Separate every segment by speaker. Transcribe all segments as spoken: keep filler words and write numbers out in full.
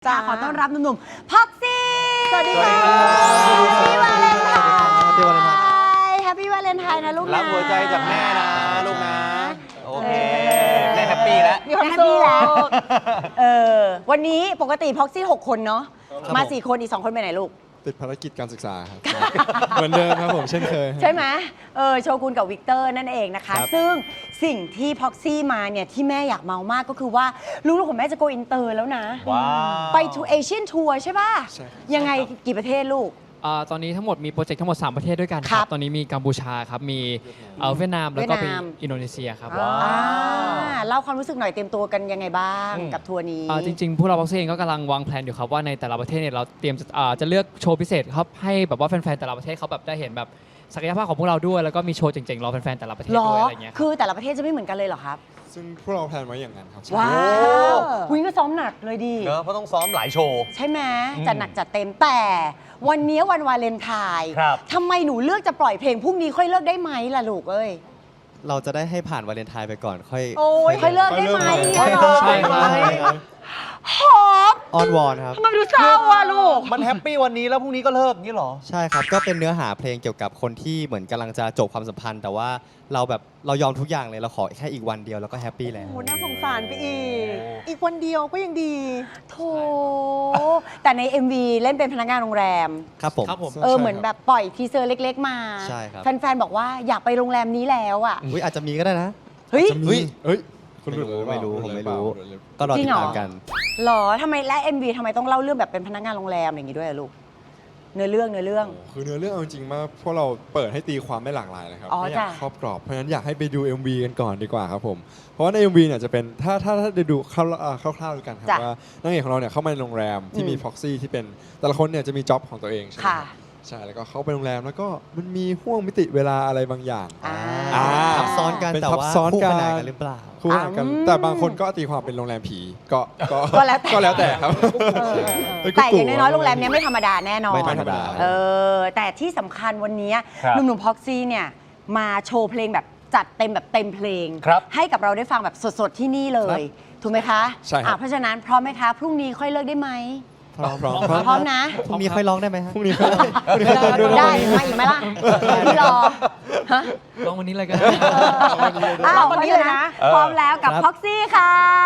Speaker 1: จ้าขอต้อนรับหนุ่มๆพ็อกซี่
Speaker 2: สวัสดีค่ะ
Speaker 1: แฮปปี้วาเลนไทน์
Speaker 2: แฮปปี้วาเลนไทน์
Speaker 1: แฮปปี้วาเลนไทน์นะลูกนะ
Speaker 3: รับหัวใจจากแม่นะลูกนะ โอเค แม่แฮปปี้แล้ว
Speaker 2: มีความ
Speaker 1: แฮป
Speaker 2: สุ
Speaker 1: ปี้
Speaker 2: ข
Speaker 1: แล้วเออวันนี้ปกติพ็อกซี่หกคนเนาะมาสี่คนอีกสองคนไปไหนลูก
Speaker 4: ติดภารกิจการศึกษาครับ เหมือนเดิมครับผมเช่นเคย
Speaker 1: ใช่ไหมเออโชกุนกับวิกเตอร์นั่นเองนะคะ
Speaker 4: ครับ
Speaker 1: ซึ่งสิ่งที่พ็อกซี่มาเนี่ยที่แม่อยากเมามากก็คือว่าลูกๆของแม่จะโกอินเตอร์แล้วนะ
Speaker 3: ว้าว
Speaker 1: ไปทูเอเชียนทัวร์ใช่ป่ะ
Speaker 4: ใช่ครับ
Speaker 1: ยังไงกี่ประเทศลูก
Speaker 5: อ่าตอนนี้ทั้งหมดมีโปรเจกต์ทั้งหมด สาม ประเทศด้วยกันค
Speaker 1: ครั
Speaker 5: รับ บ ตอนนี้มีกัมพูชาครับ มีเอ่อเวียดนาม แล้วก็เป็น
Speaker 1: เวียดนาม
Speaker 5: อินโดนีเซียครับ
Speaker 1: อ่าเล่าความรู้สึกหน่อยเตรียมตัวกันยังไงบ้าง
Speaker 3: อืม
Speaker 1: กับทัวร์นี้
Speaker 5: อ่าจริงๆ พวกเราบ็อกซ์เองก็กำลังวางแผนอยู่ครับ ว่าในแต่ละประเทศเนี่ยเราเตรียมจะอ่าจะเลือกโชว์พิเศษครับให้แบบว่าแฟนๆ แต่ละประเทศเขาแบบได้เห็นแบบศักยภาพของพวกเราด้วย แล้วก็มีโชว์เจ๋งๆ รอแฟนๆ แต่ละประเทศ
Speaker 1: หรอ
Speaker 5: ด้วยอะไรอย่างเงี้ยครับ
Speaker 1: คือแต่ละประเทศจะไม่เหมือนกันเลยเหรอครับ
Speaker 4: ซึ่งพวกเราแพลนไว้อย่างนั้นครับ
Speaker 1: ว้าววิงก็ซ้อมหนักเลยดี
Speaker 3: เนอะเพราะต้องซ้อมหลายโชว์
Speaker 1: ใช่ไหม
Speaker 3: อืม
Speaker 1: จัดหนักจัดเต็มแต่วันนี้วันวาเลนไทน์
Speaker 3: ครับ
Speaker 1: ทำไมหนูเลือกจะปล่อยเพลงพรุ่งนี้ค่อยเลิกได้ไหมล่ะลูกเอ้ย
Speaker 6: เราจะได้ให้ผ่านวาเลนไทน์ไปก่อนค่อย
Speaker 1: โอ้ยค่อยเลิกได้ไหม
Speaker 4: ค่อย
Speaker 1: เนี่ย
Speaker 4: เลิก
Speaker 1: เหรอ
Speaker 5: ใช่ครับ
Speaker 1: หอม
Speaker 6: อ้อนวอนครับ
Speaker 1: ทำไมดูเศร้าอ่ะลูก
Speaker 3: มันแฮปปี้วันนี้แล้วพรุ่งนี้ก็เลิกงี้เหรอ
Speaker 6: ใช่ครับ ก็เป็นเนื้อหาเพลงเกี่ยวกับคนที่เหมือนกำลังจะจบความสัมพันธ์ แต่ว่าเราแบบเรายอมทุกอย่างเลยเราขอแค่อีกวันเดียวแล้วก็แฮปปี้แล้ว
Speaker 2: โอ้โหน่าสงสารไปอีก อีกวันเดียวก็ยังดี
Speaker 1: โถแต่ใน เอ็ม วี เล่นเป็นพนักงานโรงแรม
Speaker 6: ครับผม
Speaker 5: ครับผม
Speaker 1: เออเหมือนแบบปล่อยทีเซอร์เล็กๆมา
Speaker 6: ใช่ครับ
Speaker 1: แฟนๆบอกว่าอยากไปโรงแรมนี้แล้วอ่ะ
Speaker 6: อุ้ยอาจจะมีก็ได้นะ
Speaker 1: เฮ้ย
Speaker 4: จะมีเฮ้ยคุณหลุดเลย
Speaker 6: ไม่รู้
Speaker 4: หอ
Speaker 6: ผมไม่
Speaker 4: เปล่า
Speaker 6: รู้
Speaker 4: หลุดเลย
Speaker 6: ก็รอ
Speaker 1: จริ
Speaker 6: ติ
Speaker 1: ง
Speaker 6: ด
Speaker 1: เหรอ
Speaker 6: ตามกัน
Speaker 1: หรอทำไมและ เอ็ม วี ทำไมต้องเล่าเรื่องแบบเป็นพนักงานโรงแรมอย่างนี้ด้วยอะลูก เนื้อเรื่องเนื้อเรื่อง
Speaker 4: คือเนื้อเรื่องเอาจริงๆมากพวกเราเปิดให้ตีความไม่หลากหลายเลยครับ
Speaker 1: อ๋อ
Speaker 4: ไม่อยาก
Speaker 1: จ้ะ
Speaker 4: ครอบกรอบเพราะฉะนั้นอยากให้ไปดู เอ็ม วี กันก่อนดีกว่าครับผมเพราะว่าใน เอ็ม วี เนี่ยจะเป็นถ้าถ้าถ้าได้ดูคร่าวๆอ่าคร่าวๆด้วยกันครับ
Speaker 1: จ้ะ
Speaker 4: ว่านางเอกของเราเนี่ยเข้ามาในโรงแรมที่มี
Speaker 1: อืม
Speaker 4: พ็อกซี่ที่เป็นแต่ละคนเนี่ยจะมีจ็อบของตัวเองใช่ไหม
Speaker 1: ค่ะ
Speaker 4: ครับใช่แล้วก็เข้าไปโรงแรมแล้วก็มันมีห่วงมิติเวลาอะไรบางอย่าง
Speaker 1: อ่า
Speaker 4: อ่า
Speaker 6: ทับซ้อนกัน
Speaker 4: เป็น
Speaker 6: แต่
Speaker 4: ทับ
Speaker 6: ว่า
Speaker 4: ซ้อน
Speaker 6: คู่
Speaker 4: กั
Speaker 6: ข
Speaker 4: น
Speaker 6: นานกันหรือเปล่า
Speaker 4: คู่ขนานกัน
Speaker 1: อืม
Speaker 4: แต่บางคนก็ตีความเป็นโรงแรมผีก็ก็
Speaker 1: ก็แล้วแต่
Speaker 4: ก็แล้วแต่ครับ
Speaker 1: เออเออเอ
Speaker 4: เป็
Speaker 1: อน
Speaker 4: กุ๊ก
Speaker 1: แต่อย่าง
Speaker 4: กู่
Speaker 1: น้อยๆโรงแรมเนี้ยไม่ธรรมดาแน่นอน
Speaker 6: ไม่ธรรมดา
Speaker 1: เออแต่ที่สำคัญวันนี้
Speaker 3: ครับ
Speaker 1: หนุ่มๆพ็อกซี่เนี่ยมาโชว์เพลงแบบจัดเต็มแบบเต็มเพลง
Speaker 3: ครับ
Speaker 1: ให้กับเราได้ฟังแบบสดๆที่นี่เลย ถูกไหมคะ
Speaker 4: ใช่ครับ
Speaker 1: อ่ะเพราะฉะนั้นพร้อมไหมคะ พรุ่งนี้ค่อยเลิกได้ไหม
Speaker 4: พร้อมพร้อมพร้อม
Speaker 1: พร้อมนะ
Speaker 6: พรุ่งนี้ค่อยร้องได้ไหมฮะ
Speaker 4: พรุ่งนี้ก็ได้พรุ่งนี้ก็เต้นด้วยนะ
Speaker 1: ได้มาอีกไหมล่ะพี่รอฮะ
Speaker 5: ลองวันนี้เลยก็ได้
Speaker 1: อ้าววันนี้เลยนะ
Speaker 3: เออ
Speaker 1: พร้อมแล้วกับ
Speaker 6: ครับ
Speaker 1: พ็อกซี่ค่ะ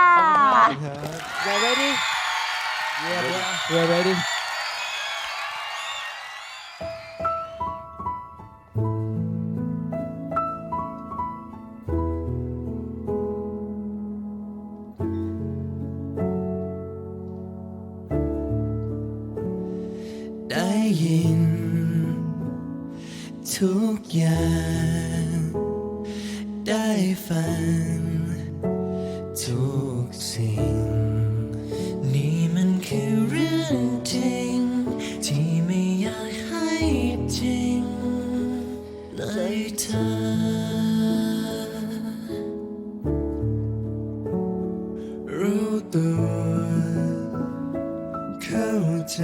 Speaker 5: We're ready We're ready
Speaker 7: ได้ยินทุกอย่าง ได้ฟังทุกสิ่ง นี่มันคือเรื่องจริง ที่ไม่อยากให้จริงเลยเธอ รู้ตัวเข้าใจ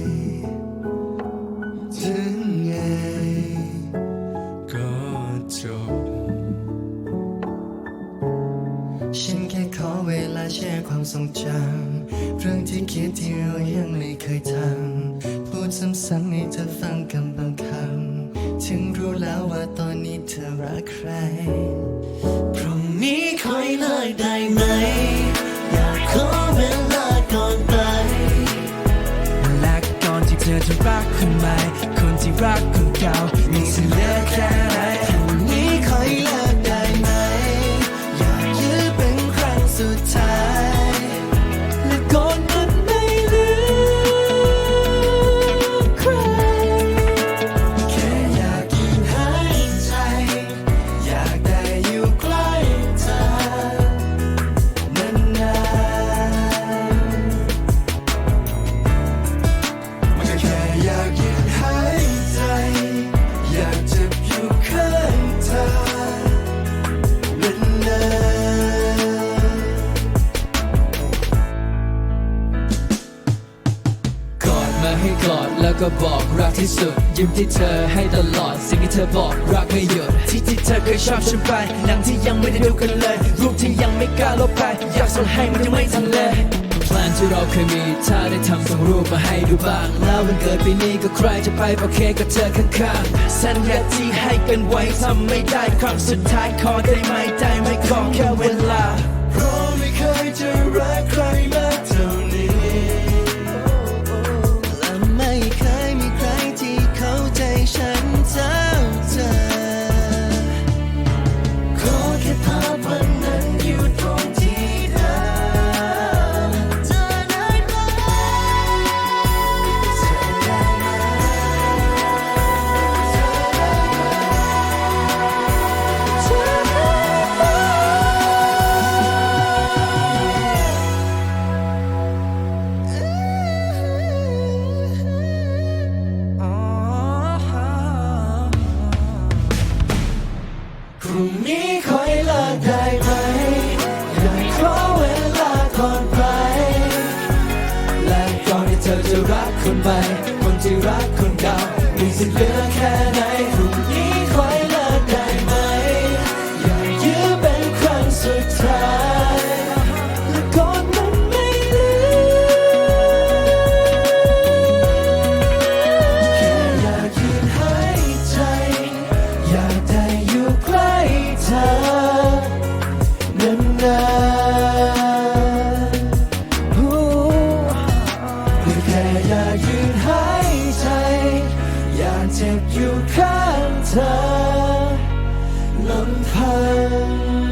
Speaker 7: ถึงไงก็จบ ฉันแค่ขอเวลาแชร์ความทรงจำเรื่องที่คิดที่เรายังไม่เคยทำพูดซ้ำๆให้เธอฟังคำบางคำถึงรู้แล้วว่าตอนนี้เธอรักใคร พรุ่งนี้ค่อยเลิกได้ไหม อยากขอเวลาก่อนไป และก่อนที่เธอจะรักคนใหม่ คนที่รักคนเก่ามีสิเหลือแค่ไหนพรุ่งนี้ค่อยเลิกได้ไหม อยากยื้อเป็นครั้งสุดท้าย และก่อนมันไม่เหลือใคร แค่อยากหยุดหายใจ อยากได้อยู่ใกล้เธอนานๆ แค่อยากหยุดหายใจ อยากจะอยู่ข้างเธอนานๆกอดมาให้กอดแล้วก็บอกรักที่สุด ยิ้มที่เธอให้ตลอดสิ่งที่เธอบอกรักไม่หยุดที่ที่เธอเคยชอบฉันไปหนังที่ยังไม่ได้ดูกันเลยรูปที่ยังไม่กล้าลบไปอยากส่งให้มันยังไม่ทันเลย
Speaker 8: ลนที่เราเคยมีถ้าได้ทำส่งรูปมาให้ดูบ้าง แล้ววันเกิดปีนี้ก็ใครจะไปเป่าเค้กกับเธอข้างๆสัญญาที่ให้กันไว้ทำไม่ได้ครั้งสุดท้ายขอได้ไหมได้ไหมขอแค่เวลาเพราะไม่เคยจะรักใครมากเท่านี้และไม่เคยมีใครที่เข้าใจฉันเท่าเธอขอแค่ภาพวันนั้นอยู่ตรงที่เดิมเธอได้ไหมเธอได้ไหมเธอได้พรุ่งนี้คอยเลิกได้ไหมอยากขอเวลาก่อนไปและก่อนที่เธอจะรักคนใหม่คนที่รักคนเก่ามีสิทธิ์เหลือแค่ไหนพรุ่งนี้คอยเลิกได้ไหมอยากยืมเป็นครั้งสุดท้ายและก่อนมันไม่เหลือแค่อยากยืนหายใจอยากได้อยู่ใกล้เธอนานๆฮู้แค่อยากยืนหายใจอยากเจ็บอยู่ข้างเธอลำพัง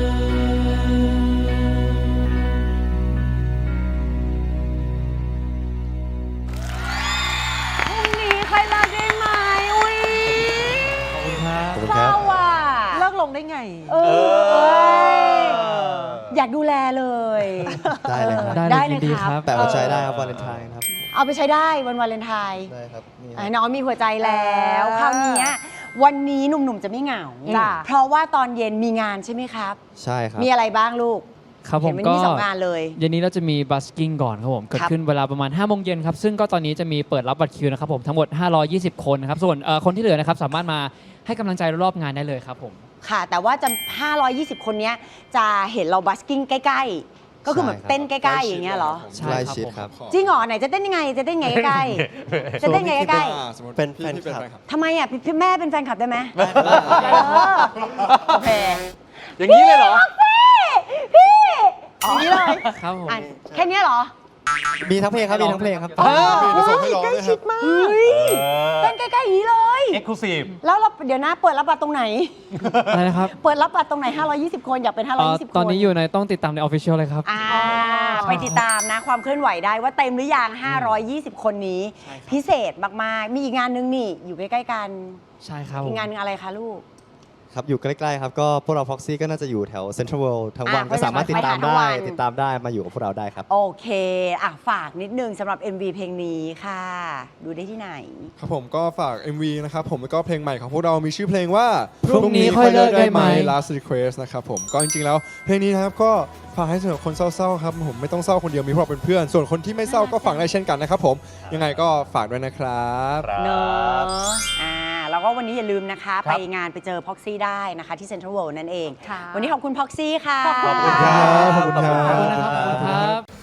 Speaker 1: พรุ่งนี้ใครรักได้ไหมอุ้ย
Speaker 6: ขอบคุณครั
Speaker 1: เศร้า
Speaker 6: บ
Speaker 1: อ่ะ
Speaker 2: เลิกลงได้ไง
Speaker 1: เอออยากดูแลเลย
Speaker 6: ได้เลยครับ
Speaker 1: ออ
Speaker 5: ได้
Speaker 1: ได้
Speaker 5: เล
Speaker 1: เลย ย
Speaker 5: ยินดี
Speaker 1: ค
Speaker 5: ครั
Speaker 1: รับ
Speaker 5: บ
Speaker 6: แต่หัวใจได้ครับวาเลนไทน์ครับ
Speaker 1: เอาไปใช้ได้วันวาเลนไทน์
Speaker 6: ได้ครับนี่
Speaker 1: อ่ะน้องมีหัวใจแล้ว
Speaker 2: เออ
Speaker 1: คราวนี้วันนี้หนุ่มๆจะไม่เหงา
Speaker 2: จ้ะ
Speaker 1: เพราะว่าตอนเย็นมีงานใช่ไหมครับ
Speaker 6: ใช่ครับ
Speaker 1: มีอะไรบ้างลูก
Speaker 5: ครับผม
Speaker 1: เห็นมัน
Speaker 5: ก็
Speaker 1: มีสองงานเลย
Speaker 5: เย็นนี้เราจะมีบัสกิ้งก่อนครับผมเกิด
Speaker 1: ครับ
Speaker 5: ขึ้นเวลาประมาณห้าโมงเย็นครับซึ่งก็ตอนนี้จะมีเปิดรับบัตรคิวนะครับผมทั้งหมดห้าร้อยยี่สิบคนนะครับส่วนเอ่อคนที่เหลือนะครับสามารถมาให้กำลังใจรอบๆงานได้เลยครับผม
Speaker 1: ค่ะ แต่ว่าจะ ห้าร้อยยี่สิบ คนเนี้ยจะเห็นเราบัสกิ้งใกล้ๆ ก็คือเหมือน
Speaker 6: ใช่ครับ
Speaker 1: เต้นใกล้ๆ อย่างเงี้ยเหรอ
Speaker 5: ใช่
Speaker 6: ใกล้
Speaker 5: ครับ
Speaker 6: ชิด
Speaker 5: ผม
Speaker 6: ครับ
Speaker 1: จริงเหรอไหนจะเต้นยังไง จะเต้นยังไงใกล้ๆ จะเต้นยังไงใกล้
Speaker 4: อ่าสมมติ
Speaker 6: เป็น
Speaker 4: พี่
Speaker 6: แฟน
Speaker 4: ที่เป็น
Speaker 6: คลับ
Speaker 4: แฟนคลับ
Speaker 1: ๆทำไมอ่ะพี่พี่แม่เป็นแฟนคลับได้ไหมเออโอเค
Speaker 3: อย่างนี้เลยเหรอ
Speaker 1: พี่อย่างนี้เลย
Speaker 5: ครับผม
Speaker 1: อ่ะแค่เนี้ยเหรอ
Speaker 6: มีทั้งเพลงครับ มีทั้งเพลงครับ
Speaker 4: เดี๋ยวส่งให้ร้องด้วยครับ
Speaker 1: เฮ้ยเต้นใกล้ๆอย่างนี้เลย
Speaker 3: เอ็กซ์คลูซีฟ
Speaker 1: แล้วเราเดี๋ยวนะเปิดรับบัตรตรงไหน
Speaker 5: อะไรนะครับ
Speaker 1: เปิดรับบัตรตรงไหน ห้าร้อยยี่สิบ คนอยากเป็น ห้าร้อย
Speaker 5: เอ่อ
Speaker 1: ยี่สิบ คน
Speaker 5: ตอนนี้อยู่ในต้องติดตามในออฟฟิเชียลเลยครับ
Speaker 1: อ่าไปติดตามนะความเคลื่อนไหวได้ว่าเต็มหรือยัง ห้าร้อยยี่สิบ คนนี้ พิเศษมากๆ มีอีกงานนึงนี่อยู่ใกล้ๆกัน
Speaker 5: ใช่ครับผ
Speaker 1: อี
Speaker 5: ม
Speaker 1: กงานนึงอะไรคะลูก
Speaker 6: ครับ อยู่ใกล้ๆครับ ก็พวกเรา Proxy ก็น่าจะอยู่แถว Central World ทั้งวัน
Speaker 1: อ่ะ
Speaker 6: ก็สามารถติดตาม
Speaker 1: ไปหาทั้ง
Speaker 6: ได้
Speaker 1: วัน
Speaker 6: ติดตามได้มาอยู่กับพวกเราได้ครับ
Speaker 1: โอเคอ่ะฝากนิดนึงสำหรับ เอ็ม วี เพลงนี้ค่ะ ดูได้ที่ไหน
Speaker 4: ครับผมก็ฝาก เอ็ม วี นะครับผมแล้วก็เพลงใหม่ของพวกเรามีชื่อเพลงว่า
Speaker 5: พรุ่งนี้ค่อยเลิกได้ไหม
Speaker 4: Last Request นะครับผมก็จริงๆแล้วเพลงนี้นะครับก็ฝากให้สำหรับคนเศร้าๆครับผมไม่ต้องเศร้าคนเดียวมีพวกเราเป็นเพื่อน ส่วนคนที่ไม่เศร้าก็ฟังได้เช่นกันนะครับผมยังไงก็ฝากด้วยนะครับ
Speaker 1: เนอะอ่าแล้วก็วันนี้อย่าลืมนะคะ
Speaker 3: ค
Speaker 1: ไป
Speaker 3: รับ
Speaker 1: งานไปเจอพ็อกซี่ได้นะคะที่เซ็นทรัลเวิลด์นั่นเอง
Speaker 2: ค่ะ
Speaker 1: วันนี้ขอบคุณพ็อกซี่ค่ะ
Speaker 2: ขอบคุณ
Speaker 4: ขอบคุณครับขอบคุณครั
Speaker 5: ขอบคุณนะครับขอบคุณครับ